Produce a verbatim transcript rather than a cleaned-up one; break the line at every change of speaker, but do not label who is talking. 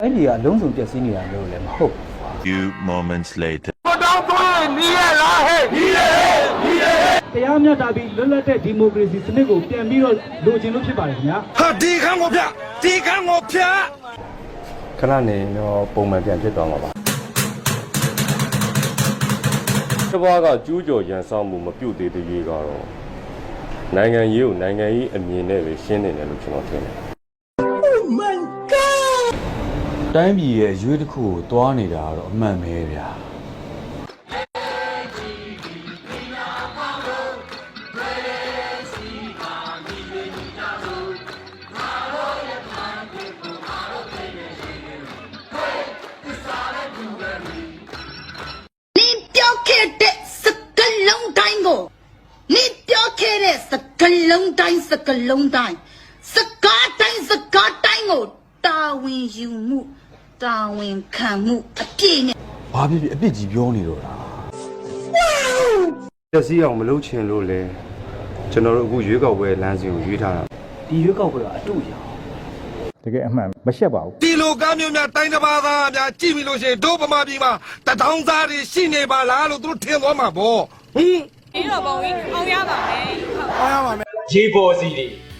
အဲ့ဒီကအလုံးစုံပြည့်စည်နေတာလို့လည်းမဟုတ်
Few moments later
တရားမျှတပြီးလွတ်လပ်တဲ့ဒီမိုကရေစီစနစ်ကိုပြန်ပြီးတော့လိုချင်လို့ဖြစ်ပါတယ်ခင်ဗျာ
ဟာဒီခန်းကိုပြဒီခန်းကိုဖျက်
ခဏနေတော့ပုံမှန်ပြန်ဖြစ်သွားမှာပါတဘွားကကျူးကျော်ရန်ဆောင်မှုမပြုတ်သေးတဲ့ရေးကတော့နိုင်ငံရေးကိုနိုင်ငံရေးအမြင်နဲ့ပဲရှင်းနေတယ်လို့ကျွန်တော်ထင်တယ်
တိုင်းပြည်ရဲ့ရွေးတစ်ခုကိုတွားနေတာကတော့အမှန်ပဲဗျာ
你表开的是个龙蛋哦，你表开的是个龙蛋，是个龙蛋，是个蛋是个蛋哦，大文有目，大文看目，啊别呢。
ဘာဖြစ်ဖြစ်အပြစ်ကြီးပြောနေတော့လား
တက်စီအောင်မလုပ်ချင်လို့လေကျွန်တော်တို့အခုရွေးကောက်ပွဲလမ်းစဉ်ကိုရွေးထားတာ
ဒီရွေးကောက်ပွဲကအတူရအောင်
တကယ်အမှန်မရှက်ပါဘူး
ဒီလိုကားမျိုးများတိုင်းတစ်ပါးသားများကြည့်ပြီလို့ရှိရင်ဒုဗမာပြည်မှာတထောင်သားတွေရှိနေပါလားလို့သူတို့ထင်သွားမှာပေါ့ဟင်
ဒီတော့ပုံကြီးအောင်ရပါမယ်
အားရပါမယ်
ရေပေါ်စီတွေ